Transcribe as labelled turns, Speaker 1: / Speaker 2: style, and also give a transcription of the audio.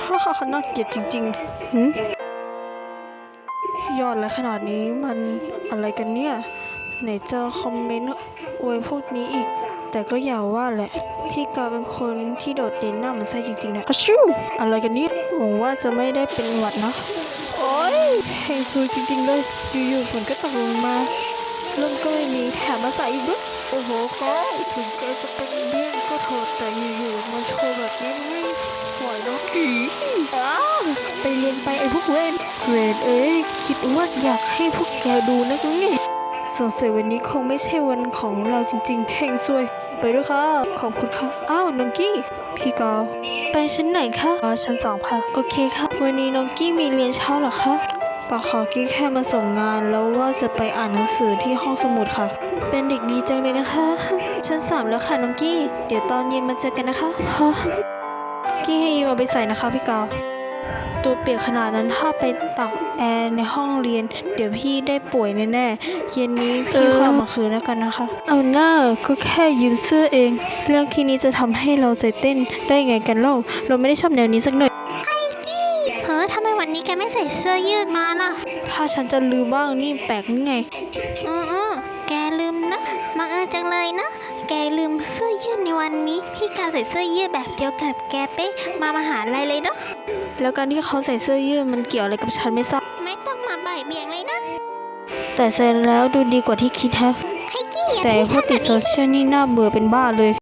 Speaker 1: ฮ่าฮ่าน่าเกลียดจริงๆยอดและขนาดนี้มันอะไรกันเนี่ยไหนจะคอมเมนต์อวยพวกนี้อีกแต่ก็อย่าว่าแหละพี่กาเป็นคนที่โดดเด่นหน้าเหมือนไส้จริงๆนะฮัชชูอะไรกันเนี่ยหวังว่าจะไม่ได้เป็นหวัดนะโอ๊ยเฮงซูจริงๆเลยอยู่ๆฝนก็ตกลงมาลมก็ไม่มีแถมมาใส่อีกด้วยโอ้โหก็ถึงแกจะเป็นเบี้ยนก็เถอะแต่อยู่ๆมาโชว์แบบนี้ไม่ไหวเนาะไปเรียนไปไอ้พวกเวนเอ้ยคิดว่าอยากให้พวกแกดูนักไงสงสัยวันนี้คงไม่ใช่วันของเราจริงๆเฮงซวยไปด้วยค่ะขอบคุณค่ะอ้าวน้องกี้พี่กาวไปชั้นไหนคะชั้น2ค่ะโอเคค่ะวันนี้น้องกี้มีเรียนเช้าเหรอคะปะขอกี้แค่มาส่งงานแล้วว่าจะไปอ่านหนังสือที่ห้องสมุดค่ะเป็นเด็กดีจังเลยนะคะชั้น3แล้วค่ะน้องกี้เดี๋ยวตอนเย็นมาเจอกันนะคะฮะกี้ให้ยืมเอาไปใส่นะคะพี่กาวตัวเปียกขนาดนั้นถ้าไปตักแอร์ในห้องเรียนเดี๋ยวพี่ได้ป่วยแน่ๆเย็นนี้พี่ขอมาคืนแล้วกันนะคะเอาหน้าก็แค่ยืมเสื้อเองเรื่องแค่นี้จะทำให้เราใจเต้นได้ไงกันเล่าเราไม่ได้ชอบแนวนี้สักหน่อย
Speaker 2: เฮ้อทำไมวันนี้แกไม่ใส่เสื้อยืดมาล่ะ
Speaker 1: ถ้าฉันจะลืมบ้างนี่แปลกนี่ไง
Speaker 2: แกลืมนะบังเอิญจังเลยนะแกลืมเสื้อยืดในวันนี้พี่กาใส่เสื้อยืดแบบเดียวกับแกเป๊ะมามหาลัยเลยเนาะ
Speaker 1: แล้วการที่เขาใส่เสื้อยืดมันเกี่ยวอะไรกับฉันไม่ทราบ
Speaker 2: ไม่ต้องมาบ่ายเบี่ยงเลยนะ
Speaker 1: แต่ใส่แล้วดูดีกว่าที่คิดฮะ
Speaker 2: ไอ้กี้
Speaker 1: แต่พวกติดโซเชียลนี่น่าเบื่อเป็นบ้าเลย